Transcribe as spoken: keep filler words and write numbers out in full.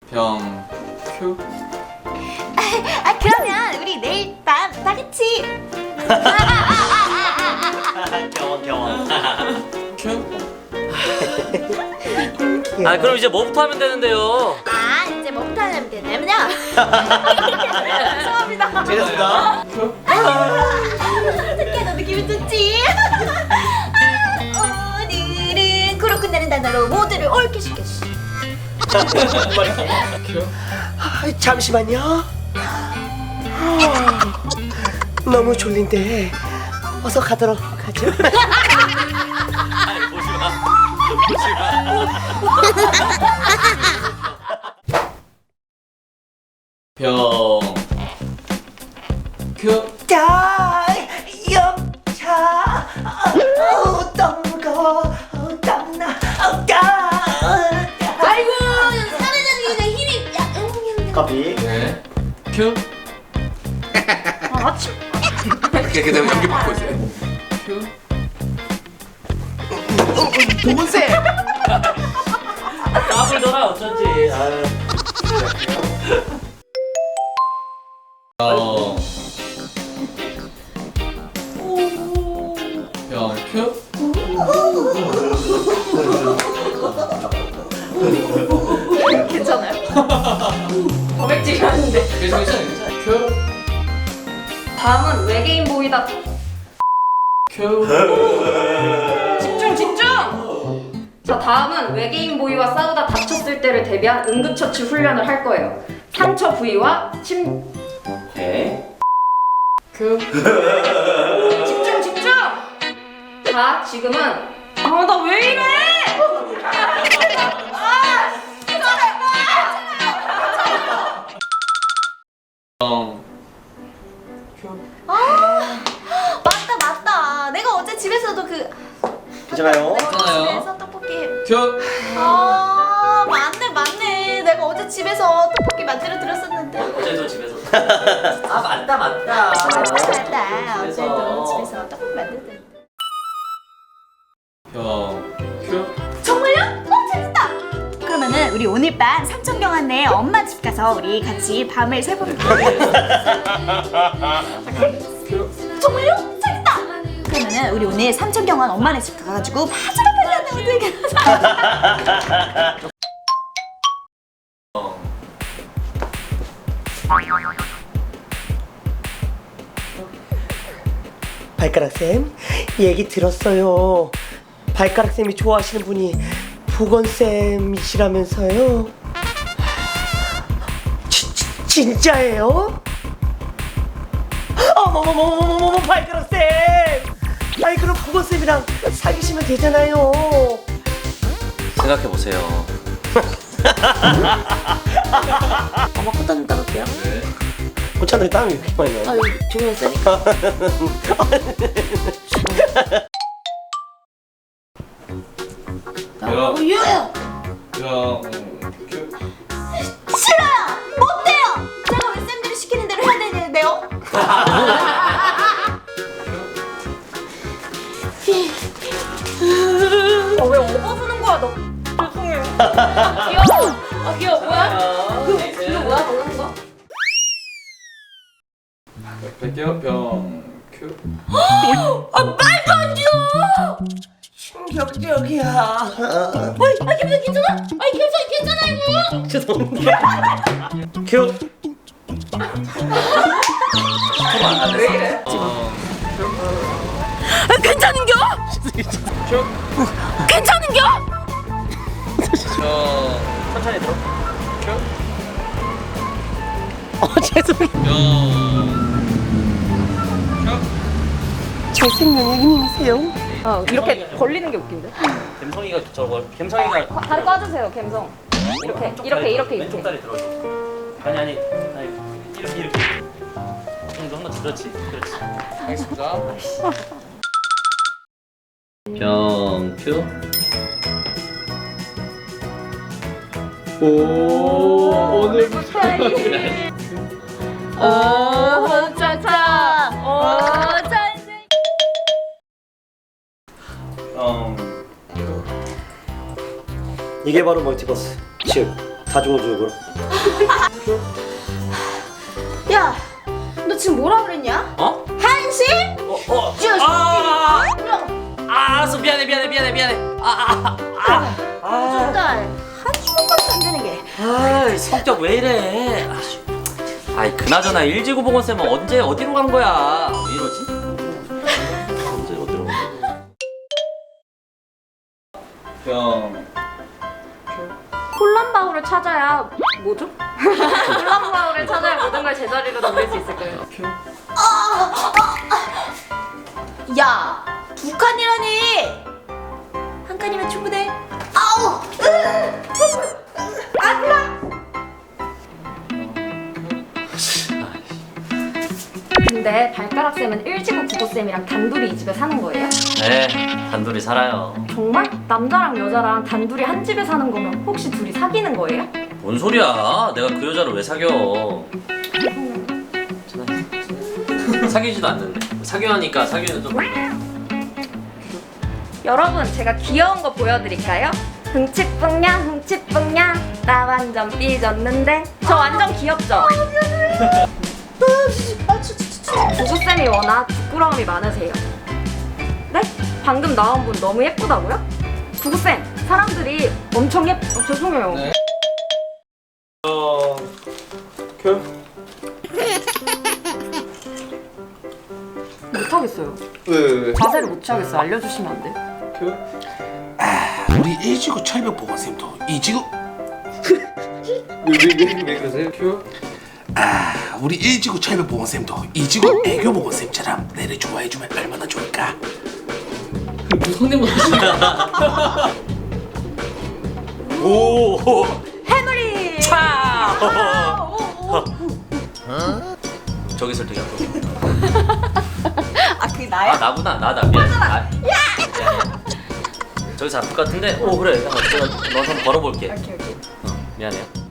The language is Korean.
병 큐. 아 그러면 우리 내일 밤 다 같이 경원 경원. 큐. 아 그럼 이제 뭐부터 하면 되는데요? 아 이제 뭐부터 하면 되냐면요 죄송합니다 되겠습니다. 큐. 어떡해 너 느낌이 좋지 아, 오늘은 코로 끝나는 단어로 모두를 옳게 시켰어 큐. 아, 잠시만요. 아, 너무 졸린데 어서 가도록 하죠. 아니 보지 마. 보지 마. 병 큐. 자, 영차. 어우, 땀 무거워. 어우, 땀나. 어우, 땀. 아이고 사라지는 게 힘이 야 음, 커피. 네. 큐. 아 참. 이렇게 되면 연기 받고 있어요. 큐. 도문세. 까불더라 어쩐지. 아유. 병. 병 큐. 괜찮아요? 거백질이 하는데. 괜찮아 괜찮아. 큐. 다음은 외계인 보이다. 큐. 집중 집중! 자 다음은 외계인 보이와 싸우다 다쳤을 때를 대비한 응급처치 훈련을 할 거예요. 상처 부위와 침... 네. 큐. 집중 집중! 자 지금은 아 나 왜 이래! 병. 아 맞다 맞다 내가 어제 집에서도 그 괜찮아요? 내가 어제 괜찮아요. 집에서 떡볶이 큐. 아 맞네 맞네 내가 어제 집에서 떡볶이 만들어 들었었는데 어제도 집에서. 아 맞다 맞다. 맞다 집에서. 어제도 집에서 떡볶이 만들었는데 병 큐. 정말요? 어 재밌다 그러면은 우리 오늘 밤 삼천경안네 엄마 집 가서 우리 같이 밤을 새볼게요 정말요? 재밌다 그러면은 우리 오늘 삼천경안 엄마네 집 가가지고 파주를 팔려는 어떻게 발가락쌤, 얘기 들었어요. 발가락쌤이 좋아하시는 분이 보건쌤이시라면서요? 지, 지, 진짜예요? 어머머머머머머머 발가락쌤! 아이 그럼 보건쌤이랑 사귀시면 되잖아요. 생각해 보세요. 엄마 꽃다 좀 따갈게요. 네. 꽃차들이 땀이 왜 이렇게 많이 나요? 아유 조명 세니까 병. 유야 병 큐. 싫어요 못 돼요 제가 왜 쌤들이 시키는 대로 해야 되는데요 어, 왜 업어주는 거야 너? 죄송해요. 아, 귀여워. 아 귀여워 뭐야? 그, 이거 뭐야 먹는 거? 뺄게요. 병 큐. 아 말도 안 돼요 충격적이야. 아 괜찮아 괜찮아 아 괜찮아 괜찮아 이거 죄송합니다. 큐. 왜 이래? 아, 괜찮은겨? 큐. 괜찮은겨? 병 천천히 들어. 큐. 어 죄송해요. 병 큐. 잘생긴 애기님이세요? 어 이렇게 벌리는 게 웃긴데? 갬성이가 저거 갬성이가 과- 다리 꽈주세요 감성. 이렇게 왼쪽 이렇게 다리 이렇게 들어. 왼쪽 이렇게. 다리 들어줘. 아니 아니 아니 이렇게 이렇게. 응, 한번 그렇지 그렇지. 알겠습니다. 병 큐. 오 오늘 오 차차 오 차차 어. 이게 바로 멀티버스, 즉 가져오죠 이걸. 야, 너 지금 뭐라 그랬냐? 어? 한식? 어? 어? 주스. 아! 아, 알았어. 미안해 미안해 미안해 미안해. 아, 아, 아. 아. 정말 한식 먹고도 안 되는 게. 아, 성격 왜 이래? 아, 아이, 그나저나 일지구보건쌤은 언제 어디로 간 거야? 왜 이러지? 언제 어디로 간 거야? 형. 콜란바우를 찾아야 뭐죠? 콜란바우를 찾아야 모든 걸 제자리로 돌릴 수 있을 거예요. 야, 두 칸이라니. 한 칸이면 충분해. 아우. 아, 그래. 근데 발가락 쌤은 일지구 국어 쌤이랑 단둘이 이 집에 사는 거예요? 네, 단둘이 살아요. 정말? 남자랑 여자랑 단둘이 한 집에 사는 거면 혹시 둘이 사귀는 거예요? 뭔 소리야? 내가 그 여자를 왜 사겨? 사귀지도 않는데. 사귀하니까 사귀는 좀. 여러분, 제가 귀여운 거 보여드릴까요? 흥칫뿡냐 흥칫뿡냐 나 완전 삐졌는데 저 완전 귀엽죠? 구구쌤이 워낙 부끄러움이 많으세요. 네? 방금 나온 분 너무 예쁘다고요? 구구쌤, 사람들이 엄청 예쁘... 어, 죄송해요. 네. 어. 큐. 못하겠어요. 왜, 왜, 왜? 자세를 못 취하겠어요. 알려주시면 안 돼요? 큐. 우리 일지구 철벽보건쌤도 이지구 왜, 왜, 왜, 왜 그러세요? 큐. 아 우리 일지구 철벽보건쌤도 이지구 애교보건쌤처럼 내를 좋아해주면 얼마나 좋을까. 성대모사 하시냐? 오. 해물이. 차. 저기 설득이 안 아, 그게 나야? 아, 나구나. 나다. 미안. 아, 미안해. 저기 잡을 것 같은데. 오, 그래. 어, 제가 너 한번 걸어볼게. 오케이 오케이. 어, 미안해요.